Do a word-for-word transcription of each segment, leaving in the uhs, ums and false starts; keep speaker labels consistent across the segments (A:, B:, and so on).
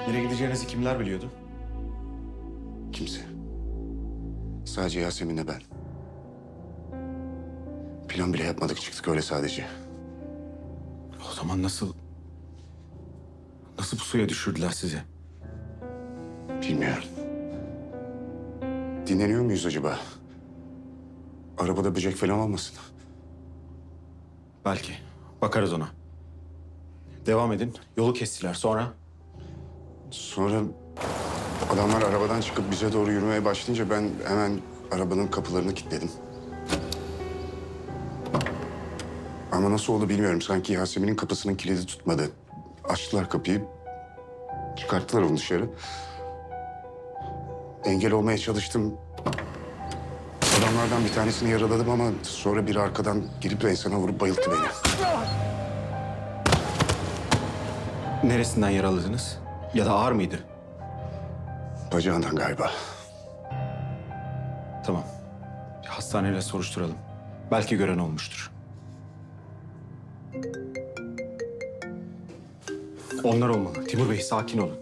A: Nereye gideceğinizi kimler biliyordu?
B: Kimse. Sadece Yasemin'le ben. Plan bile yapmadık, çıktık öyle sadece.
A: O zaman nasıl... Nasıl bu suya düşürdüler sizi?
B: Bilmiyorum. Dinleniyor muyuz acaba? Arabada böcek falan olmasın.
A: Belki. Bakarız ona. Devam edin. Yolu kestiler. Sonra?
B: Sonra adamlar arabadan çıkıp bize doğru yürümeye başlayınca ben hemen arabanın kapılarını kilitledim. Ama nasıl oldu bilmiyorum. Sanki Yasemin'in kapısının kilidi tutmadı. Açtılar kapıyı. Çıkarttılar onu dışarı. Engel olmaya çalıştım. Adamlardan bir tanesini yaraladım ama sonra biri arkadan girip enseme vurup bayılttı beni.
A: Neresinden yaraladınız? Ya da ağır mıydı?
B: Bacağından galiba.
A: Tamam. Bir hastaneyle soruşturalım. Belki gören olmuştur. Onlar olmalı. Timur Bey, sakin olun.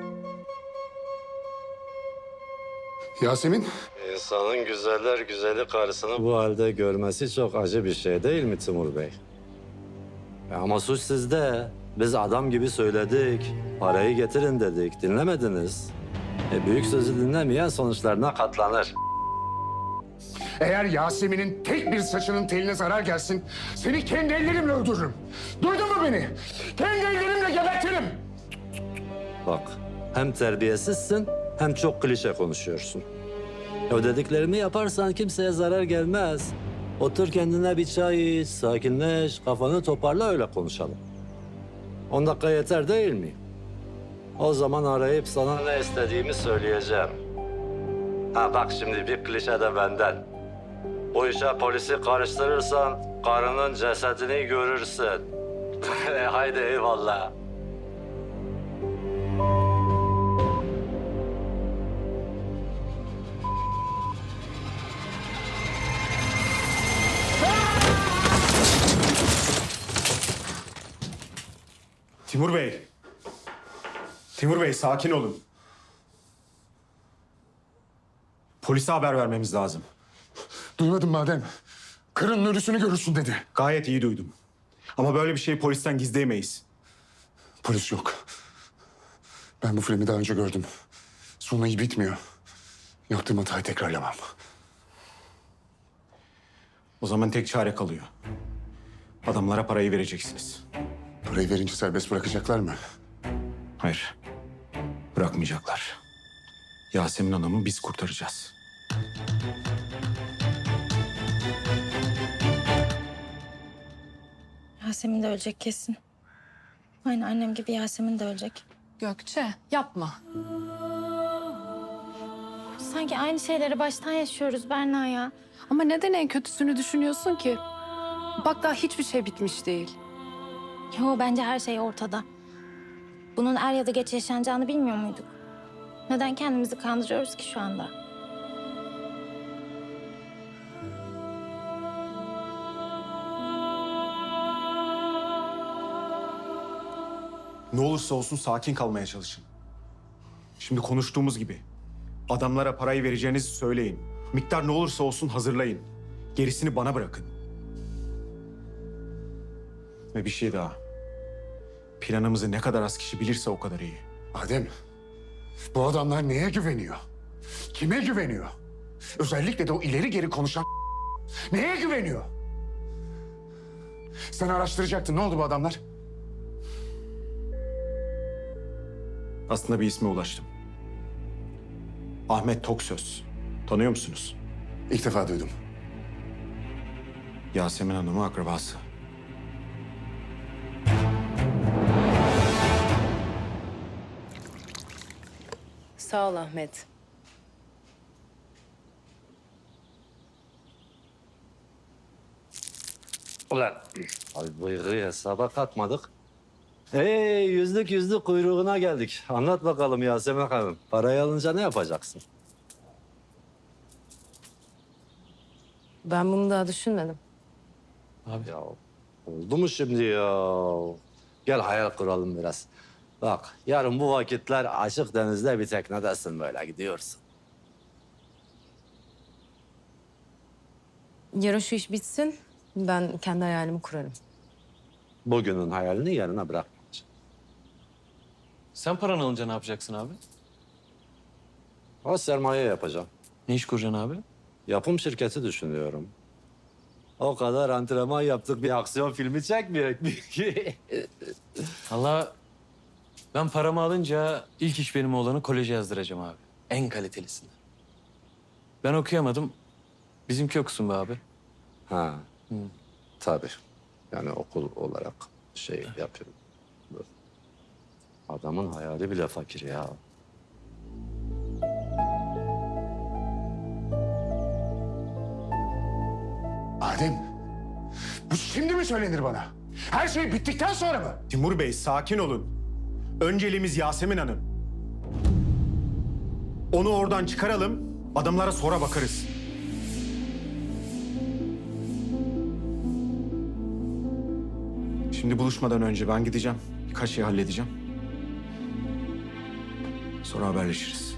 B: Yasemin?
C: İnsanın güzeller güzeli karısını bu halde görmesi çok acı bir şey değil mi Timur Bey? E ama suç sizde. Biz adam gibi söyledik. Parayı getirin dedik. Dinlemediniz. E büyük sözü dinlemeyen sonuçlarına katlanır.
B: Eğer Yasemin'in tek bir saçının teline zarar gelsin, seni kendi ellerimle öldürürüm. Duydun mu beni? Kendi ellerimle gebertirim.
C: Bak, hem terbiyesizsin hem çok klişe konuşuyorsun. O dediklerimi yaparsan kimseye zarar gelmez. Otur kendine bir çay iç, sakinleş, kafanı toparla öyle konuşalım. On dakika yeter değil mi? O zaman arayıp sana ne istediğimi söyleyeceğim. Ha bak şimdi bir klişe de benden. Bu işe polisi karıştırırsan karının cesedini görürsün. Haydi eyvallah.
A: Timur Bey. Timur Bey, sakin olun. Polise haber vermemiz lazım.
B: Duymadın madem. Kırın ölüsünü görürsün dedi.
A: Gayet iyi duydum. Ama böyle bir şeyi polisten gizleyemeyiz.
B: Polis yok. Ben bu filmi daha önce gördüm. Sonu iyi bitmiyor. Yaptığım hatayı tekrarlamam.
A: O zaman tek çare kalıyor. Adamlara parayı vereceksiniz.
B: Parayı verince serbest bırakacaklar mı?
A: Hayır. Bırakmayacaklar. Yasemin Hanım'ı biz kurtaracağız.
D: Yasemin de ölecek kesin. Aynı annem gibi Yasemin de ölecek.
E: Gökçe yapma.
D: Sanki aynı şeyleri baştan yaşıyoruz Berna ya.
E: Ama neden en kötüsünü düşünüyorsun ki? Bak daha hiçbir şey bitmiş değil.
D: Yo, bence her şey ortada. Bunun er ya da geç yaşanacağını bilmiyor muyduk? Neden kendimizi kandırıyoruz ki şu anda?
A: Ne olursa olsun sakin kalmaya çalışın. Şimdi konuştuğumuz gibi adamlara parayı vereceğinizi söyleyin. Miktar ne olursa olsun hazırlayın. Gerisini bana bırakın. Ve bir şey daha. Planımızı ne kadar az kişi bilirse o kadar iyi.
B: Adem, bu adamlar neye güveniyor? Kime güveniyor? Özellikle de o ileri geri konuşan neye güveniyor? Sen araştıracaktın. Ne oldu bu adamlar?
A: Aslında bir isme ulaştım. Ahmet Toksöz. Tanıyor musunuz?
B: İlk defa duydum.
A: Yasemin Hanım'ın akrabası.
F: Sağ ol Ahmet.
C: Ulan abi bıyığı hesaba katmadık. Hey yüzlük yüzlük kuyruğuna geldik. Anlat bakalım Yasemin Hanım. Parayı alınca ne yapacaksın?
F: Ben bunu daha düşünmedim.
C: Abi ya oldu mu şimdi ya? Gel hayal kuralım biraz. Bak yarın bu vakitler açık denizde bir teknedesin böyle gidiyorsun.
F: Yarın şu iş bitsin. Ben kendi hayalimi kurarım.
C: Bugünün hayalini yarına bırakmayacaksın.
G: Sen paranı alınca ne yapacaksın abi?
C: O sermaye yapacağım.
G: Ne iş kuracaksın abi?
C: Yapım şirketi düşünüyorum. O kadar antrenman yaptık bir aksiyon filmi çekmeyecek mi ki?
G: Allah ben paramı alınca ilk iş benim oğlanı koleje yazdıracağım abi. En kalitelisini. Ben okuyamadım. Bizimki okusun be abi.
C: Ha. Tabii. Yani okul olarak şey yapıyorum. Adamın hayali bile fakir ya.
B: Adem, bu şimdi mi söylenir bana? Her şey bittikten sonra mı?
A: Timur Bey sakin olun. Önceliğimiz Yasemin Hanım. Onu oradan çıkaralım, adamlara sonra bakarız. Şimdi buluşmadan önce ben gideceğim. Birkaç şey halledeceğim. Sonra haberleşiriz.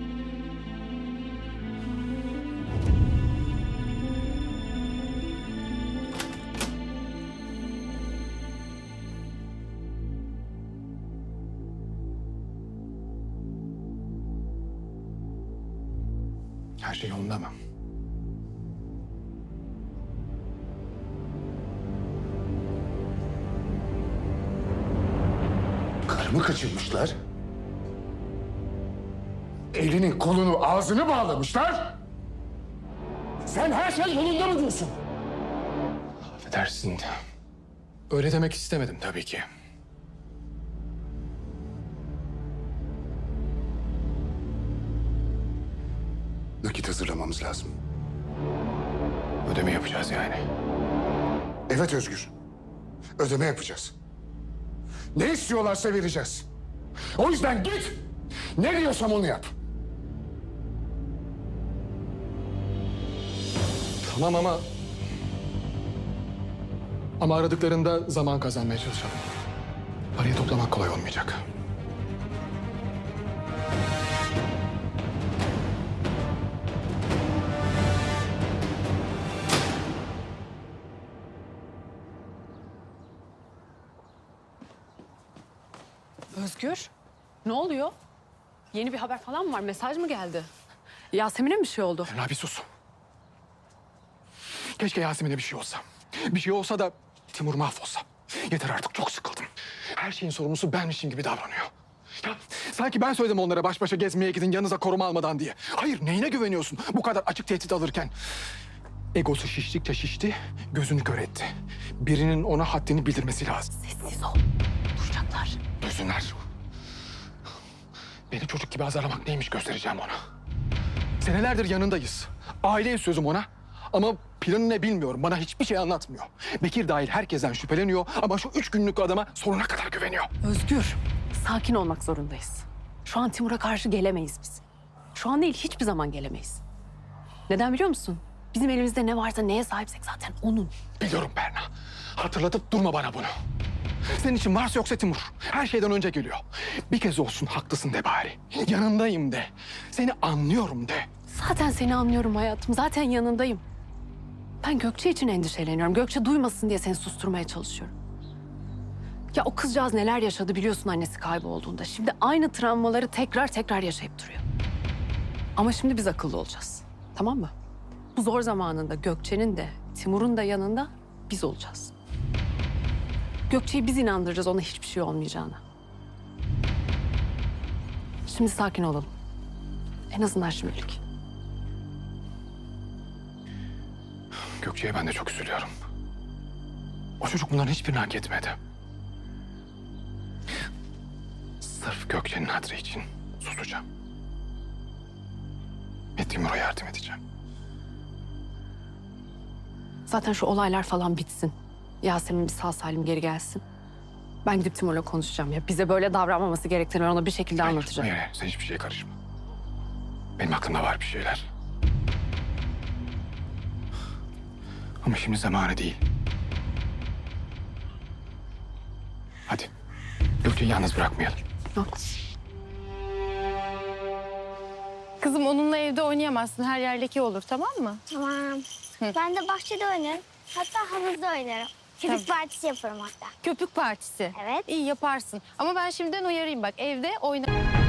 B: Her şey yolunda mı? Karımı kaçırmışlar. Elini, kolunu, ağzını bağlamışlar. Sen her şey yolunda mı diyorsun?
H: Affedersin. Öyle demek istemedim tabii ki.
B: Nakit hazırlamamız lazım.
H: Ödeme yapacağız yani.
B: Evet Özgür. Ödeme yapacağız. Ne istiyorlarsa vereceğiz. O yüzden git. Ne diyorsam onu yap.
H: Tamam ama... Ama aradıklarında zaman kazanmaya çalışalım. Parayı toplamak kolay olmayacak.
E: Özgür, ne oluyor? Yeni bir haber falan mı var? Mesaj mı geldi? Yasemin'e mi bir şey oldu?
H: Berna bir sus. Keşke Yasemin'e bir şey olsa. Bir şey olsa da Timur mahvolsa. Yeter artık, çok sıkıldım. Her şeyin sorumlusu benmişim gibi davranıyor. Ya sanki ben söyledim onlara baş başa gezmeye gidin yanınıza koruma almadan diye. Hayır, neyine güveniyorsun bu kadar açık tehdit alırken? Egosu şiştikçe şişti, gözünü kör etti. Birinin ona haddini bildirmesi lazım.
E: Sessiz ol. Duyacaklar.
H: Duysunlar. Beni çocuk gibi azarlamak neymiş göstereceğim ona. Senelerdir yanındayız. Aileyiz sözüm ona. Ama planı ne bilmiyorum. Bana hiçbir şey anlatmıyor. Bekir dahil herkesten şüpheleniyor ama şu üç günlük adama sonuna kadar güveniyor.
E: Özgür, sakin olmak zorundayız. Şu an Timur'a karşı gelemeyiz biz. Şu an değil, hiçbir zaman gelemeyiz. Neden biliyor musun? Bizim elimizde ne varsa, neye sahipsek zaten onun.
H: Biliyorum Berna. Hatırlatıp durma bana bunu. Senin için varsa yoksa Timur. Her şeyden önce geliyor. Bir kez olsun haklısın de bari. Yanındayım de. Seni anlıyorum de.
E: Zaten seni anlıyorum hayatım. Zaten yanındayım. Ben Gökçe için endişeleniyorum. Gökçe duymasın diye seni susturmaya çalışıyorum. Ya o kızcağız neler yaşadı biliyorsun annesi kaybolduğunda. Şimdi aynı travmaları tekrar tekrar yaşayıp duruyor. Ama şimdi biz akıllı olacağız. Tamam mı? Bu zor zamanında Gökçe'nin de Timur'un da yanında biz olacağız. Gökçe'yi biz inandıracağız ona hiçbir şey olmayacağına. Şimdi sakin olalım. En azından şimdilik.
H: Gökçe'ye ben de çok üzülüyorum. O çocuk bunların hiçbirini hak etmedi. Sırf Gökçe'nin hatırı için susacağım. Ve Timur'a yardım edeceğim.
E: Zaten şu olaylar falan bitsin. Yasemin bir sağ salim geri gelsin. Ben gidip Timur'la konuşacağım ya. Bize böyle davranmaması gerektiğini ona bir şekilde
H: Hayır,
E: anlatacağım.
H: Hayır, hayır, sen hiçbir şeye karışma. Benim aklımda var bir şeyler. Ama şimdi zamanı değil. Hadi, Gökçe'yi yalnız bırakmayalım.
E: Haklısın.
I: Kızım onunla evde oynayamazsın. Her yer leke olur, tamam mı?
J: Tamam. Ben de bahçede oynarım. Hatta havuzda oynarım. Köpük partisi yaparım hatta.
I: Köpük partisi.
J: Evet.
I: İyi yaparsın. Ama ben şimdiden uyarayım bak. Evde oyna...